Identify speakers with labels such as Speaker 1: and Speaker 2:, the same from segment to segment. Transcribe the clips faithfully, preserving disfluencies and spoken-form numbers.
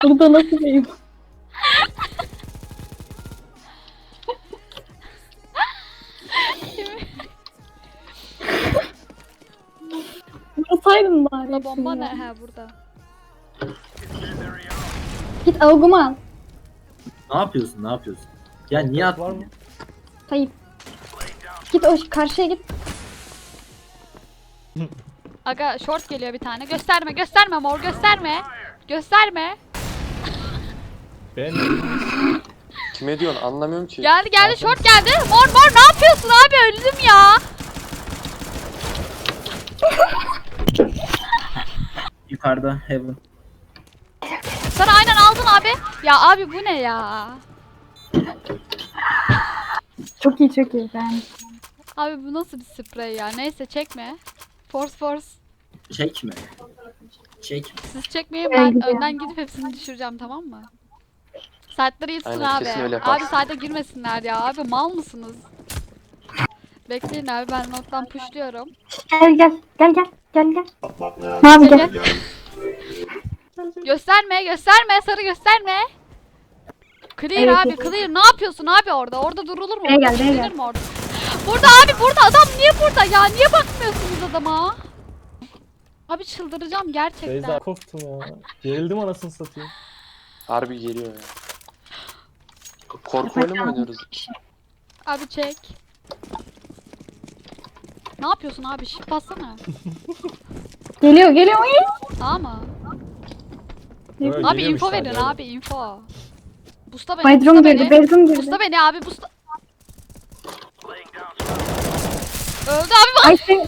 Speaker 1: Burada nasıl diyeyim? Vursaydın bari.
Speaker 2: La bomba
Speaker 1: hepsini
Speaker 2: ne?
Speaker 1: ya.
Speaker 2: He burada.
Speaker 1: Git avugumu al.
Speaker 3: Ne yapıyorsun? Ne yapıyorsun? Ya niye
Speaker 4: Var
Speaker 3: attın
Speaker 4: mı?
Speaker 3: ya?
Speaker 1: Tayyip. Git o karşıya git.
Speaker 2: Aga short geliyor bir tane. Gösterme gösterme mor gösterme. Gösterme.
Speaker 4: Ben
Speaker 5: Kime diyorsun anlamıyorum ki.
Speaker 2: Geldi geldi short geldi. Mor mor ne yapıyorsun abi öldüm ya.
Speaker 3: Yukarıda Heaven.
Speaker 2: Sana aynen aldın abi. Ya abi bu ne ya?
Speaker 1: Çok iyi çok iyi ben.
Speaker 2: Abi bu nasıl bir sprey ya? Neyse çekme. Force force.
Speaker 3: Çek mi? Çek.
Speaker 2: Siz çekmeyin
Speaker 1: Ben
Speaker 2: ben
Speaker 1: gidiyorum.
Speaker 2: önden gidip hepsini düşüreceğim tamam mı? Saatleri yitsin
Speaker 5: Aynen,
Speaker 2: abi.
Speaker 5: kesin öyle yapar.
Speaker 2: Abi saate girmesinler ya. Abi mal mısınız? Bekleyin abi ben nottan pushluyorum.
Speaker 1: Gel gel gel gel gel gel. Mavi
Speaker 2: Gel,
Speaker 1: gel.
Speaker 2: Gösterme gösterme sarı gösterme. Clear
Speaker 1: Evet,
Speaker 2: abi
Speaker 1: evet.
Speaker 2: clear. Ne yapıyorsun abi orada? Orada durulur mu?
Speaker 1: Buraya
Speaker 2: Orada
Speaker 1: gel, buraya
Speaker 2: düşünülür
Speaker 1: gel.
Speaker 2: mü orada? Burada abi burada adam niye burada ya? Niye bakmıyorsunuz adama? Abi çıldıracağım gerçekten.
Speaker 4: Beyza korktum ya. Gerildim anasını satayım.
Speaker 5: Harbi geliyor ya. Korku oyunu mu oynuyoruz?
Speaker 2: Abi çek. Ne yapıyorsun abi? Şif bassana.
Speaker 1: Geliyor geliyor. Ay!
Speaker 2: Tamam mı?
Speaker 4: Böyle
Speaker 2: Abi
Speaker 4: geliyormuş
Speaker 2: info
Speaker 4: sadece
Speaker 2: verin
Speaker 4: öyle.
Speaker 2: abi info. Busta beni,
Speaker 1: Bedroom
Speaker 2: busta
Speaker 1: girdi
Speaker 2: beni.
Speaker 1: bedroom girdi.
Speaker 2: Busta beni abi busta. Öldü abi bak.
Speaker 1: Ay sen.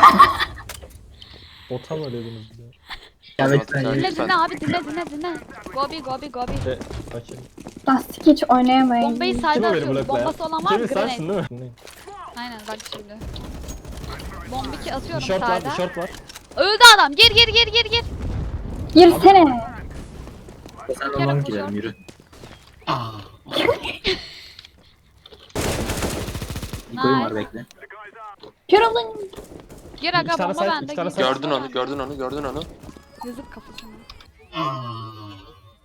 Speaker 4: Bota mı ödediniz bize?
Speaker 3: Evet
Speaker 5: Tamam,
Speaker 3: ben
Speaker 2: Dinle
Speaker 5: lütfen.
Speaker 2: dinle abi dinle dinle dinle. Gobi gobi gobi.
Speaker 4: Şey, sakin.
Speaker 1: Lastik hiç oynayamayız.
Speaker 2: Bombayı
Speaker 4: Kim
Speaker 2: sayda
Speaker 4: o beni
Speaker 2: atıyoruz.
Speaker 4: bloklayan?
Speaker 2: Bombası olan var
Speaker 4: Kevin
Speaker 2: mı?
Speaker 4: sensin
Speaker 2: Grenade.
Speaker 4: değil mi?
Speaker 2: Aynen bak şimdi. Bomba iki atıyorum
Speaker 4: Bir short var, bir
Speaker 2: sayda.
Speaker 4: short var.
Speaker 2: Öldü adam. Gir gir gir gir gir.
Speaker 1: Girsene.
Speaker 3: sen
Speaker 2: kere
Speaker 3: olan
Speaker 2: koşar.
Speaker 3: gidelim yürü. Niko'yum var bekle.
Speaker 1: Kör olun.
Speaker 2: Gir aga
Speaker 4: İki tane
Speaker 2: bomba
Speaker 4: side,
Speaker 2: bende.
Speaker 4: iki tane
Speaker 2: Gir.
Speaker 4: side.
Speaker 5: Gördün onu, gördün onu, gördün onu.
Speaker 2: Yazık kafasına.